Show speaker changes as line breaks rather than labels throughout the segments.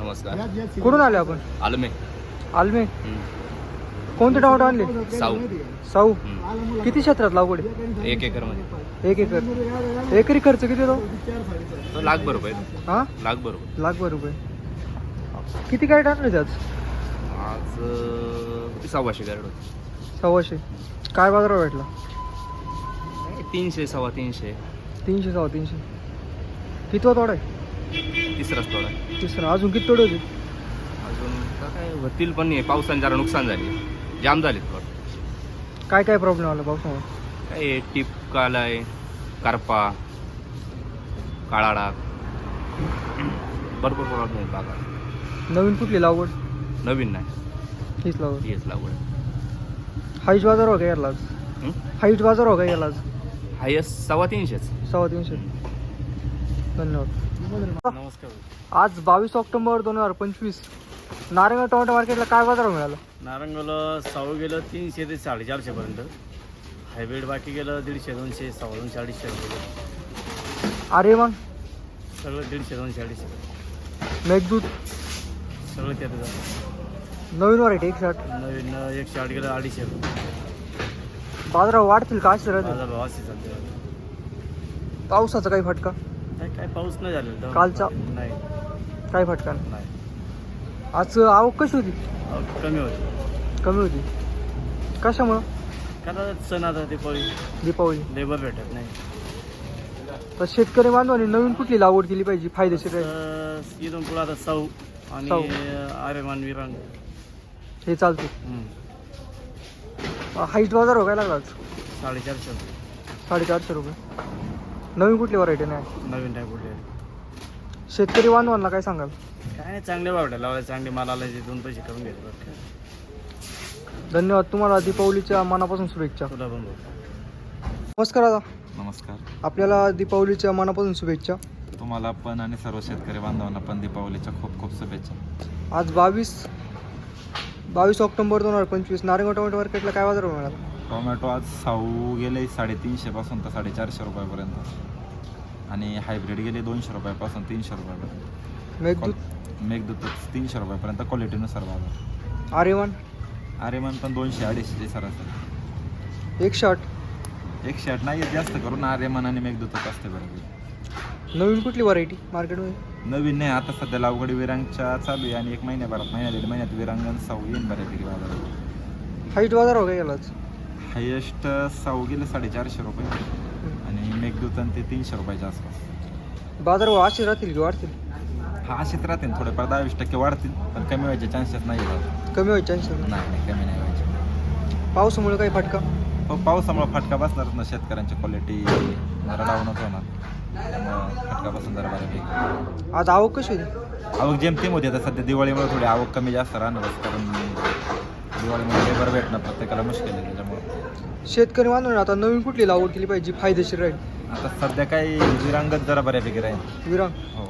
नमस्कार.
कुठून आले आपण?
आलमे.
आलमे. कोणते टोमॅटो आणले?
साऊ.
साऊ. किती क्षेत्रात लागवड आहे?
1 एकर मध्ये.
1 एकर. एकरी खर्च किती येतो?
तो लाखभर रुपये.
हा,
लाखभर रुपये.
लाखभर रुपये. किती काय टाकले त्यात?
आज 1,600 गारड होती.
1,600. काय बाजार भेटला?
300 350.
300 350. कितवा तोडा आहे?
तिसराच थोडा.
तिसरा. अजून किती तोडे होते?
अजून काय होतील पण नाही. पावसाने जरा नुकसान झाले. जाम झाले थोडं.
काय काय प्रॉब्लेम आला पावसामुळे?
काय टिप कालाय, करपा, काळा डाग, भरपूर प्रॉब्लेम आहे बागा.
नवीन कुठली लागवड?
नवीन नाही,
हीच लागवड.
हेच लागवड.
हाईट बाजार हो का याला आज? हाईट बाजार हो का याला आज?
हायस्ट 350.
350. धन्यवाद.
नमस्कार.
आज 22 ऑक्टोबर 2025 नारायणगाव टोमॅटो मार्केटला काय बाजार मिळाला?
नारंगावला साऊ गेलं 300 ते 450 पर्यंत. हायब्रिड बाकी गेलं 150, 200, 250, 250 रुपये.
अरे मग
सगळं 150, 200, 250
मेघदूत
सगळं त्यात झालं.
नवीन व्हरायटी 160.
नवीन 160 गेलं 250 रुपये.
बाजार वाढतील का असे राहतील?
बाजार भाव असे चालते.
पावसाचा काही फटका?
काय पाऊस नाही झालेला तर
कालचा?
नाही.
काही फटका नाही.
नाही.
आज आवक कशी होती?
कमी होते.
कमी होती. कशामुळं?
कारण सण आता
दीपावली.
लेबर भेटत नाही.
तर शेतकरी बांधवांनी नवीन कुठली लागवड केली पाहिजे फायदेशीर राहील?
तर इथून पुढे आता साऊ आणि
साऊ.
आर्यमान विरांग.
हे चालते. हाईट बाजार हो काय लागला आज?
450 रुपये.
450 रुपये. नवीन कुठली व्हरायटी नाही?
नवीन टाईप कुठले.
शेतकरी बांधवांना काय सांगाल?
काय नाही, चांगले भाव लावले, चांगले माल आला 2 पैसे करून घेतले.
धन्यवाद. तुम्हाला दीपावलीच्या मनापासून शुभेच्छा.
तुला पण भाऊ.
नमस्कार दादा.
नमस्कार.
आपल्याला दीपावलीच्या मनापासून शुभेच्छा.
तुम्हाला पण आणि सर्व शेतकरी बांधवांना पण दीपावलीच्या खूप खूप शुभेच्छा.
आज 22 ऑक्टोबर 2025 नारायणगाव टोमॅटो मार्केटला काय बाजार मिळाला?
टोमॅटो आज साऊ गेले 350 पासून तर 450 रुपयापर्यंत आणि हायब्रिड गेले 200 रुपयापासून 300 रुपयापर्यंत.
मेघदूत
मेघदूत 300 रुपयापर्यंत क्वालिटीनुसार बाजार.
आर्यमान
आर्यमान पण 200-250 सरासरी.
160
नाही जास्त करून आर्यमान आणि मेघदूतच असते बरोबर.
नवीन कुठली व्हरायटी मार्केटमध्ये?
नवीन नाही, आता सध्या लागवडी विरांगच्या चालू आहे आणि 1 महिन्याभरात 1.5 महिन्यात विरांगण साऊ येईन बऱ्यापैकी बाजारात.
हाईट बाजार हो काय गेला आज?
हायेस्ट साऊ गेले 450 रुपये आणि मेघदूत आणि ते 300 रुपयाच्या आसपास.
बाजार असे राहतील की वाढतील?
हा असेच राहतील, थोडेफार 10-20% वाढतील पण कमी व्हायचे चान्सेस नाही आहेत.
कमी व्हायचे चान्सेस?
नाही कमी नाही व्हायचे.
पावसामुळे काही फटका?
हो, पावसामुळे फटका बसणारच ना. शेतकऱ्यांची क्वालिटी जरा डाऊनच होणार, त्यामुळं फटका बसून जरा बऱ्यापैकी.
आज आवक कशी होती?
आवक जेमतेम होती. आता सध्या दिवाळीमुळे थोडी आवक कमी जास्त राहणारच, कारण दिवाळीमुळे लेबर भेटणं प्रत्येकाला मुश्किल आहे. त्याच्यामुळे
शेतकरी बांधवांनी आता नवीन कुठली लागवड केली पाहिजे फायदेशीर राहील?
आता सध्या काही विरांगत जरा बऱ्यापैकी राहील.
विरांग.
हो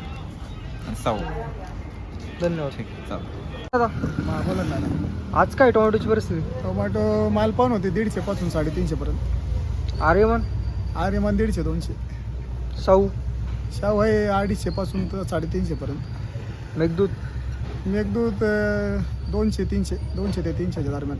आणि साऊ.
धन्यवाद.
ठीक आहे, चालेल.
दादा
बोला ना.
आज काय टोमॅटोची परिस्थिती?
टोमॅटो माल पाहून होते 150 पासून 350 पर्यंत.
आर्यमान?
आर्यमान 150, 200.
साऊ?
शाहू आहे 250 पासून तर 350 पर्यंत.
मेघदूत?
मेघदूत 200, 300, 200 ते 300च्या दरम्यान.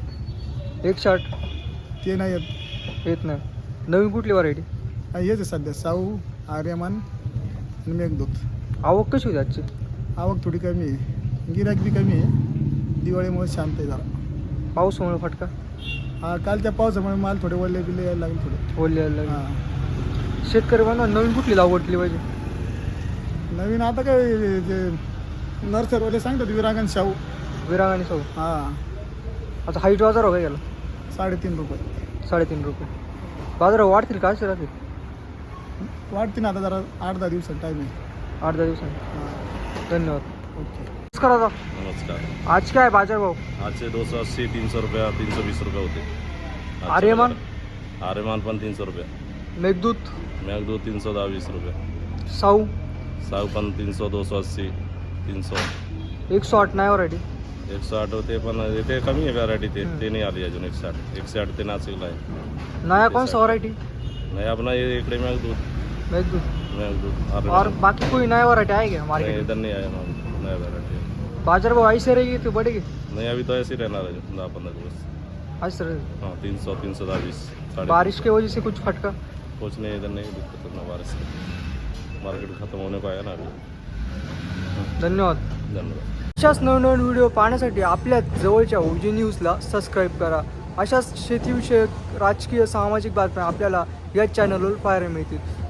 160
ते नाही येत.
येत नाही. नवीन कुठली व्हरायटी?
हेच आहे सध्या साऊ, आर्यमान आणि मेघदूत.
आवक कशी होती आजची?
आवक थोडी कमी आहे, गिराईक बी कमी आहे. दिवाळीमुळे शांत आहे जरा.
पावसामुळे फटका?
हा, कालच्या पावसामुळे माल थोडे वल्ले बिल्ले यायला लागले थोडे.
ओले यायला लागले.
हां.
शेतकरी बांधवांनी नवीन कुठली लागवड केली पाहिजे?
नवीन आता काय ते नर्सरवाले सांगतात विरांगण शाहू.
विरांग आणि साऊ.
हां.
आता हाईट बाजार हो काय गेला?
3.5 रुपये.
3.5 रुपये. बाजार वाढतील का असे राहतील?
वाढते ना आता जरा 8-10 दिवसात टाईम आहे.
8-10 दिवसांनी.
हां.
धन्यवाद.
ओके.
नमस्कार दादा.
नमस्कार.
आज काय बाजार भाव?
आजचे 280, 300 रुपये, 320 रुपये होते.
आर्यमान?
आर्यमान पण 300 रुपये.
मेघदूत?
मेघदूत 320 रुपये.
साऊ?
साऊ पण 300, 280, 300.
108 नाही व्हरायटी?
160 होते पण ते कमी आहे व्हरायटी. ते नाही आली अजून. 160 ते नाशिकला आहे.
नया कौन सा व्हरायटी?
नाही आपण इकडे मेघदूत
मेघदूत.
मेघदूत
और
आर्यमान
बाकी कोई नया व्हरायटी आहे का
नाही,
मार्केट?
इधर नहीं आया ना. नया वैरायटी है।
बाजार भाव ऐसे रहेगी तो बढ़ेगी?
नहीं अभी तो ऐसे ही रहना है 10-15 दिवस।
आज सर
हाँ 300 310
बारिश की वजह से कुछ फटका?
कुछ नहीं, इधर नहीं दिक्कत ना बारिश की, मार्केट खत्म होने को आया ना अभी।
धन्यवाद.
धन्यवाद.
अशाच नवनवीन व्हिडिओ पाहण्यासाठी आपल्या जवळच्या ओजी न्यूजला सबस्क्राईब करा. अशाच शेतीविषयक राजकीय सामाजिक बातम्या आपल्याला या चॅनलवर पाहायला मिळतील.